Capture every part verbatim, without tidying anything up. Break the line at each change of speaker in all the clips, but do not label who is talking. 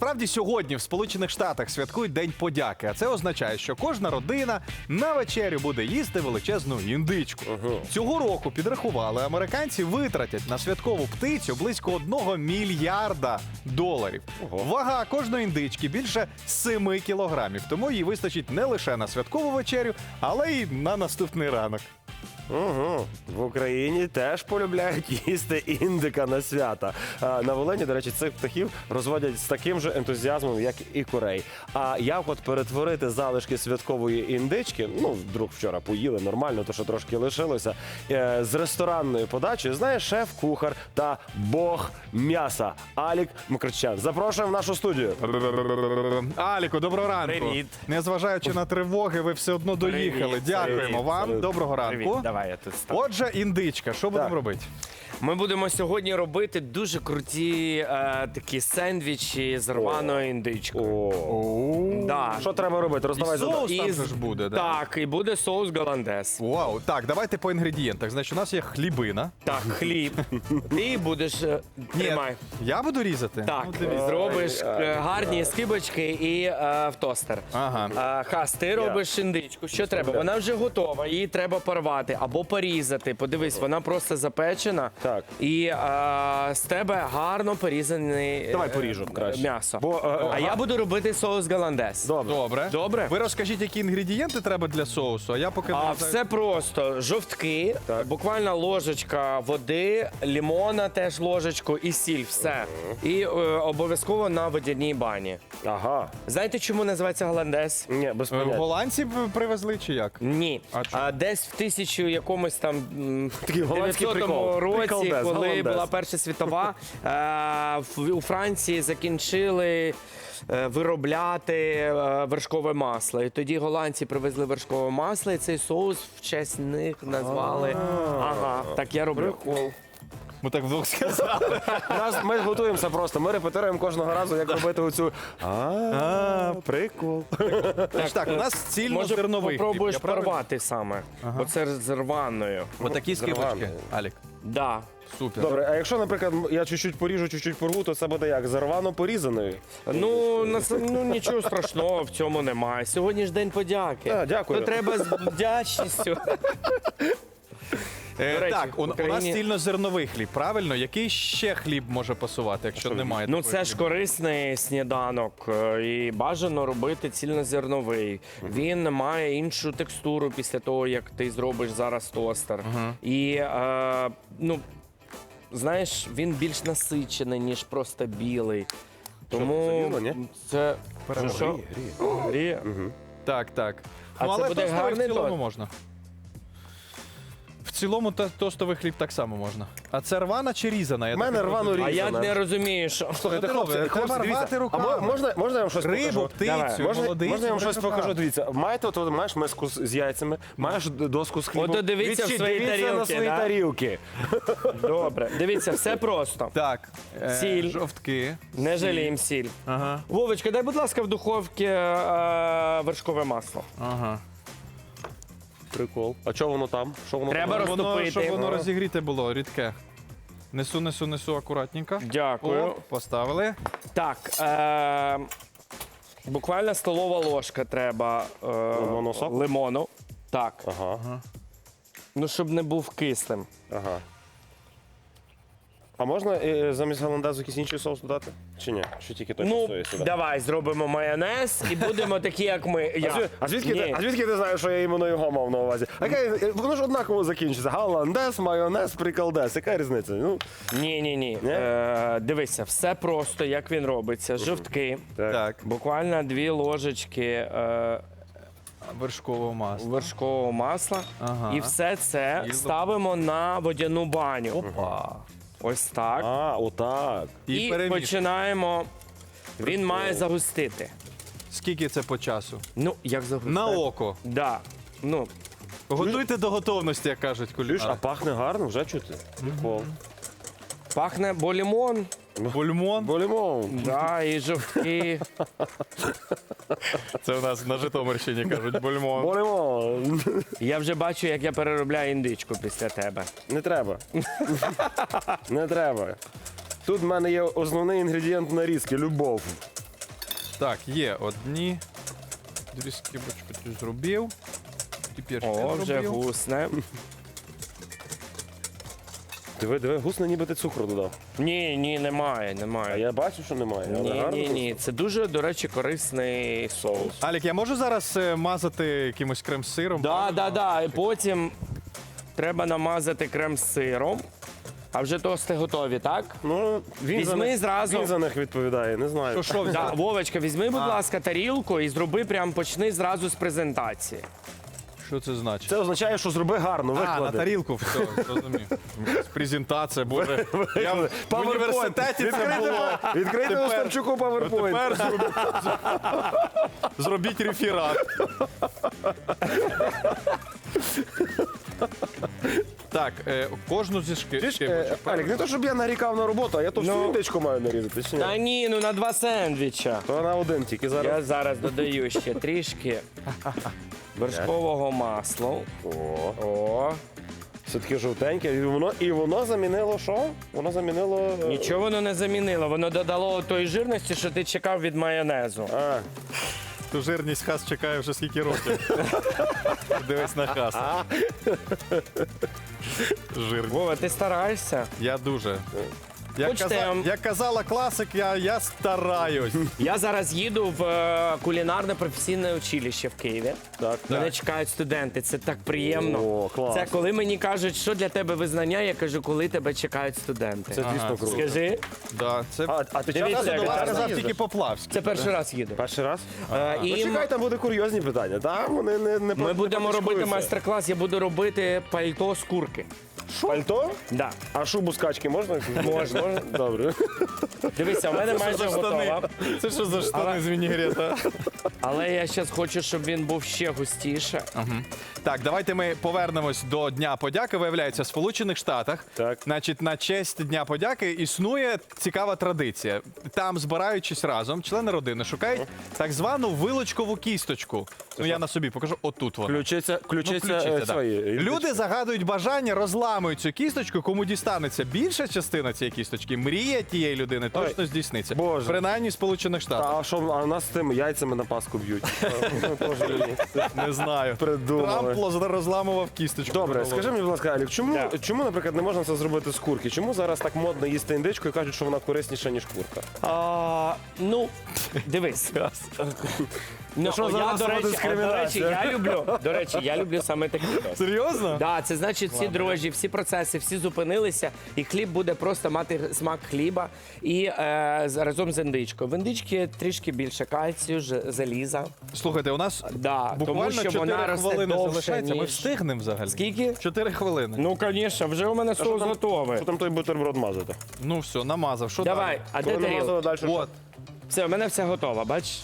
Насправді сьогодні в Сполучених Штатах святкують День подяки, а це означає, що кожна родина на вечерю буде їсти величезну індичку.
Ага.
Цього року підрахували, американці витратять на святкову птицю близько одного мільярда доларів.
Ого.
Вага кожної індички більше семи кілограмів, тому їй вистачить не лише на святкову вечерю, але й на наступний ранок.
Угу. В Україні теж полюбляють їсти індика на свята. А на Волині, до речі, цих птахів розводять з таким же ентузіазмом, як і курей. А як от перетворити залишки святкової індички, ну, вдруг вчора поїли нормально, то що трошки лишилося, е, з ресторанною подачею, знає шеф-кухар та бог м'яса Алік Мкртчян. Запрошуємо в нашу студію.
Аліку, доброго ранку.
Привіт.
Незважаючи на тривоги, ви все одно доїхали.
Привіт,
Дякуємо
привіт,
вам.
салют.
Доброго ранку.
Привіт, давай я тут стану.
Отже, індичка, що будемо
Так.
робити?
Ми будемо сьогодні робити дуже круті е, такі сендвічі з рваною індичкою.
О.
Да.
Що треба робити? Роздавай
І соус
завдання.
там
І з-
же ж буде, да?
Так, і буде соус голландез.
Вау, так, давайте по інгредієнтах. Значить, у нас є хлібина.
Так, хліб. Ти будеш е, тримай.
Я буду різати?
Так,
Ну, дивіться.
зробиш е, гарні скибочки і е, в тостер.
Ага.
Е, Хас, ти робиш індичку. Що треба? Вона вже готова, її треба порвати або порізати. Подивись, вона просто запечена.
Так.
І е, з тебе гарно порізане
Давай поріжу краще.
м'ясо.
Бо, е,
А я буду робити соус голландез.
Добре.
Добре.
Добре?
Ви розкажіть, які інгредієнти треба для соусу, а я поки...
А
нарізаю.
все просто. Жовтки, буквально ложечка води, лимона теж ложечку і сіль. Все. І е, обов'язково на водяній бані.
Ага.
Знаєте, чому називається голландез?
Ні, без
Е,
поняття.
Голландці б привезли чи як?
Ні.
А
А,
чому?
десь в тисячу якомусь там м,
Такий голландський
дев'ятсотому
прикол.
році,
Приколдес,
коли
голландез.
була Перша світова, е, в- у Франції закінчили е, виробляти е, вершкове масло. І тоді голландці привезли вершкове масло, і цей соус в честь них назвали. Ага, так я роблю.
Ми так вдвох сказали.
Нас, ми готуємося просто. Ми репетируємо кожного разу, як робити оцю. А, прикол.
Тож так, у нас
Може,
цільнозерновий хліб.
попробуєш
Я правильно?
порвати саме. Оце з рваною.
Отакі скибочки,
Зерваний.
Алік.
Да.
Супер.
Добре, а якщо, наприклад, я чуть-чуть поріжу, чуть-чуть порву, то це буде як? Зарвано порізаною?
Ну, нас, ну нічого страшного в цьому немає. Сьогодні ж день подяки.
А, дякую.
То треба з вдячністю.
Е,
До речі,
так, у,
в
у нас
Україні-
цільнозерновий хліб, правильно? Який ще хліб може пасувати, якщо немає?
Ну,
такої
це ж
хліба?
корисний сніданок, е, і бажано робити цільнозерновий. Він має іншу текстуру після того, як ти зробиш зараз тостер. І, е, ну, знаєш, він більш насичений, ніж просто білий. Тому
це біло, ні?
це що, що?
Гріє,
Гріє.
Так, так.
А
ну,
це
але
буде
тостовий в
гарний
цілому
торт?
можна. В цілому то- тостовий хліб так само можна. А це рвана чи різана? Я
В мене
так і
рвано
розумію.
А я
різана.
не розумію, що.
Слухайте,
Що ти
хлопці,
робиш?
хлопці,
Треба
дивіться.
рвати
А
руками.
мо- можна, можна я вам щось
Рибу,
покажу?
птицю,
Давай.
Можна,
молодицю.
можна я вам щось
треба
покажу?
брати.
Дивіться, маєте, от, маєш миску з з яйцями, маєш доску з хлібом.
Ото дивіться в
Відчі-
свої
дивіться на
тарілки,
свої
да?
тарілки.
Добре. Дивіться, все просто.
Так, е,
Сіль.
жовтки.
Не жаліємо сіль.
Ага,
Вовочка, дай, будь ласка, в духовці е, вершкове масло.
ага.
Прикол. А що воно там? Що воно
Треба
там?
роз-
Воно,
Розтопити.
щоб воно
Ага.
розігріте було, рідке. Несу, несу, несу акуратненько.
Дякую.
Оп, поставили.
Так, е, буквально столова ложка треба е,
Лимонного соку?
лимону. Так.
Ага,
Ну, щоб не був кислим.
ага. А можна е, замість голландезу якийсь інший соус додати? Чи ні? Чи тільки той, що
Ну,
стоїть сюди?
давай зробимо майонез і будемо такі, як ми.
А,
Я.
звід- а, звідки
Ні.
ти, а звідки ти знаєш, що я іменно його мав на увазі? А яка, воно ж однаково закінчиться. Голландез, майонез, приколдес. Яка різниця? Ну,
Ні, ні, ні.
Ні?
Е, дивися, все просто, як він робиться. Жовтки.
так.
Так,
Буквально дві ложечки е,
вершкове масло.
вершкового масла.
Ага.
І все це
І-
ставимо на водяну баню.
Опа.
Ось так.
А, отак.
І,
І
перемішуємо.
починаємо. Він має загустити.
Скільки це по часу?
Ну, як загустити?
На око.
Да. Ну,
Готуйте до готовності, як кажуть
Чуєш,
кулінари.
а пахне гарно, вже чути. Прикол.
пахне бо лимон,
Бульмон.
Болімон.
да, і жовтки.
Це у нас на Житомирщині кажуть бульмон.
Болімон.
Я вже бачу, як я переробляю індичку після тебе.
Не треба. Не треба. Тут в мене є основний інгредієнт нарізки любов.
Так, є одні. Дві скибочки ти зробив. Тепер ще
О, вже
зробив.
гусне.
Диви, диви, гусне, ніби ти цукру додав.
Ні, ні, немає,
А
немає.
я бачу, що немає. але
Ні,
гарно
ні,
просто.
ні. Це дуже, до речі, корисний соус.
Алік, я можу зараз е, мазати якимось крем-сиром?
Да, да, да. І потім треба намазати крем з сиром. А вже тости готові, так?
Ну, він за,
Візьми
них,
зразу.
він за них відповідає, не знаю.
Що, що
Да,
взяти?
Вовочка, візьми, будь
А.
ласка, тарілку і зроби прям почни зразу з презентації.
Що це значить?
Це означає, що зроби гарно,
А, на
виклади.
тарілку, все, зрозумів. Якась презентація, боже. Я в, в університеті це було.
Відкрийте
Тепер-
Остапчуку PowerPoint.
Тепер зробіть, зробіть реферат. Так, е, кожну зі шки.
Ти ж, е,
шкибочок,
Алік, не то, щоб я нарікав на роботу, а я то всю
Ну.
індичку маю нарізати. Чи ні?
Та ні, ну на два сендвіча.
То на один тільки зараз.
Я зараз додаю ще трішки вершкового масла.
О,
О,
все таке жовтеньке. І воно, і воно замінило що? Воно замінило... е,
нічого воно не замінило. Воно додало тої жирності, що ти чекав від майонезу.
А,
Ту жирність хас чекає вже скільки років. Дивись на хаса. Жирність.
Вова, ти стараєшся?
Я дуже. Як,
Хочете,
каза...
я вам-
Як казала класик, я, я стараюсь.
Я зараз їду в е, кулінарне професійне училище в Києві.
так,
Мене
так.
чекають студенти. Це так приємно.
О, клас.
Це коли мені кажуть, що для тебе визнання, я кажу, коли тебе чекають студенти.
Це дійсно круто.
Скажи,
Да, це
А, а ти
Дивіться,
часто
як
до
я
вас
сказав
їздиш?
тільки Поплавський.
це перший раз їду.
Перший раз?
Е,
Ну,
і
чекай, там буде курйозні питання. Так, вони не, не
ми
не
будемо робити
потичкуються.
майстер-клас, я буду робити пальто з курки.
Пальто?
Да.
А шубу з качки можна?
Можна.
Добре.
Дивися, у мене
Це
майже
що за штани?
готова.
Це що за штани
Але-
з вінігрета?
Але я зараз хочу, щоб він був ще густіше.
Так, давайте ми повернемось до Дня подяки. Виявляється, в Сполучених Штатах,
Так.
значить, на честь Дня подяки існує цікава традиція. Там, збираючись разом, члени родини шукають так звану вилочкову кісточку. Ну, я на собі покажу. Отут вона.
Включиться,
Ну,
включиться,
включиться,
е,
да.
свої.
Люди загадують бажання, розламують цю кісточку. Кому дістанеться більша частина цієї кісточки, мрія тієї людини точно
Ой,
здійсниться.
Боже.
Принаймні в Сполучених Штатах.
А що, а нас з тими яйцями на Пасху б'ють? Тоже мені.
Не знаю.
Придумали.
Трамп лоз- розламував кісточку.
Добре, скажи мені, будь ласка, Алік, чому,
Так.
чому, наприклад, не можна це зробити з курки? Чому зараз так модно їсти індичку і кажуть, що вона корисніша, ніж курка?
А, ну, дивись. Ну,
що за
я,
расова
до речі, а, до речі,
дискримінація?
я люблю, до речі, я люблю саме такий тост.
Серйозно?
Да, це значить, всі дрожжі, всі процеси, всі зупинилися, і хліб буде просто мати смак хліба і е, з- разом з індичкою. В індичці трішки більше кальцію, ж- заліза.
Слухайте, у нас
Да, тому
буквально
що
чотири
вона росте
хвилини
довше,
залишається. Ми
ніж-
встигнемо взагалі.
Скільки?
Чотири хвилини.
Ну, звісно, вже у мене соус
там-
готовий.
Що там той бутерброд мазати?
Ну все, намазав. Що
Давай,
далі?
а де
Коли намазали,
тарілка?
далі що?
От.
Все, у мене все готово, бач?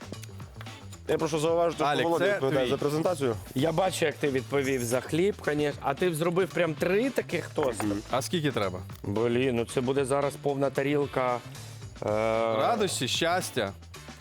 Я прошу зауважити,
Алік,
що Володя
це
відповідає
твій.
за презентацію.
Я бачу, як ти відповів за хліб, звісно. А ти зробив прям три таких тоста.
А скільки треба?
Блін, ну це буде зараз повна тарілка. Е...
Радості, щастя.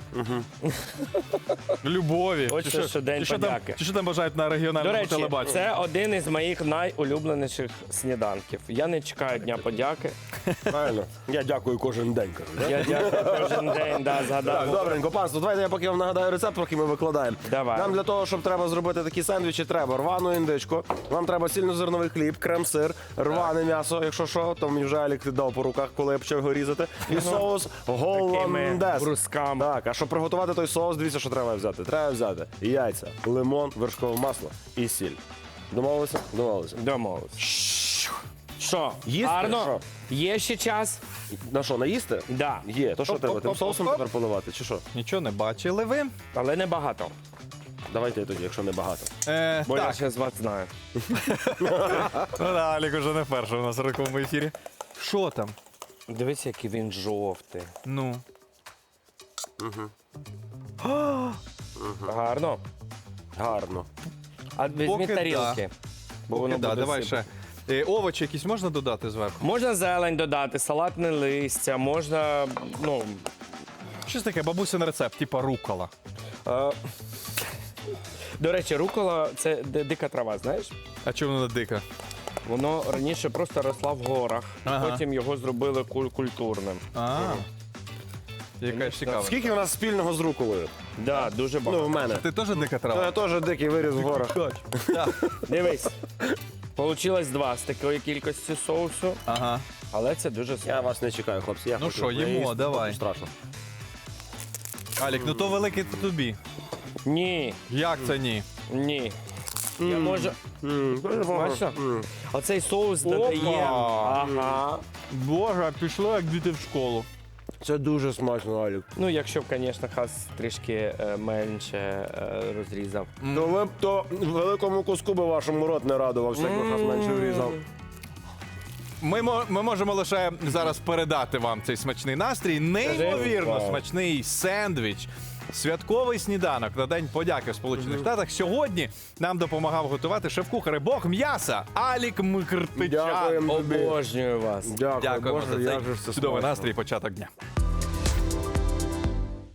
Любові.
Ось
Чи
це
що-
що День
чи що там-
подяки.
Чи що там бажають на
До
регіональному
речі,
телебаченні?
це один із моїх найулюбленіших сніданків. Я не чекаю Дня подяки.
Правильно. Я дякую кожен день. кажу, да?
Я дякую кожен день, да,
Так,
згадав.
добренько, панство, давайте я поки вам нагадаю рецепт, поки ми викладаємо.
Давай.
Нам для того, щоб треба зробити такі сендвічі, треба рвану індичку, вам треба цільнозерновий хліб, крем-сир, рване м'ясо, якщо що, то мені вже Алік дав по руках, коли я почав його різати. І соус голландез.
брусками.
Так, а щоб приготувати той соус, дивіться, що треба взяти. Треба взяти яйця, лимон, вершкове масло і сіль. Домовилися? Домовилися.
Домовились. Що,
Їсти?
гарно?
Що?
Є ще час?
На що, наїсти?
Да.
Є. То що
Оп,
треба?
оп,
Тим
оп,
соусом
оп.
тепер поливати, чи що?
Нічого не бачили ви.
Але не багато.
Давайте тоді, якщо не багато.
Е,
Бо я
так,
ще з вас знаю.
ну, да, Алік уже не перший у нас в ранковому ефірі. Що там?
Дивись, який він жовтий.
Ну.
Гарно.
Гарно.
А візьмі
Поки да.
тарілки. Бо
Поки
воно
да,
буде
давай
сипати.
ще. Е, овочі якісь можна додати зверху?
Можна зелень додати, салатне листя, можна, ну,
Щось таке, бабусин рецепт, типа рукола.
е, до речі, рукола це ди- дика трава, знаєш?
А чому вона дика?
Воно раніше просто росла в горах,
Ага.
потім його зробили куль- культурним.
А, Яка ж цікава.
Скільки у нас спільного з руколою?
Да, дуже
Ну,
багато.
в мене.
Ти теж дика
Ну,
трава?
я теж дикий виріс в горах.
Дивись. Получилось два з такої кількості соусу,
Ага.
але це дуже
Я
смачно.
вас не чекаю, хлопці. Я
Ну
хочу
що, їмо,
наїсти,
давай.
Страшно.
Алік, ну то великий то тобі.
Ні,
Як це ні?
ні. Я можу.
М, дуже багато.
Смачно?
М.
Оцей соус додає. Ага.
Боже, пішло як діти в школу.
Це дуже смачно, Алік.
Ну, якщо б, звісно, хас трішки е, менше е, розрізав.
То ви б то великому куску би вашому рот не радувався, якби хас менше врізав.
Ми, мо- ми можемо лише зараз передати вам цей смачний настрій. Неймовірно
Вау.
смачний сендвіч. Святковий сніданок на День подяки в Сполучених Штатах. Сьогодні нам допомагав готувати шеф-кухар і бог м'яса Алік Мкртичан.
Дякуємо тобі.
Обожнюю вас.
Дякую,
Дякуємо
Боже,
за
як же
цей
ж це
чудовий
смачно.
настрій і початок дня.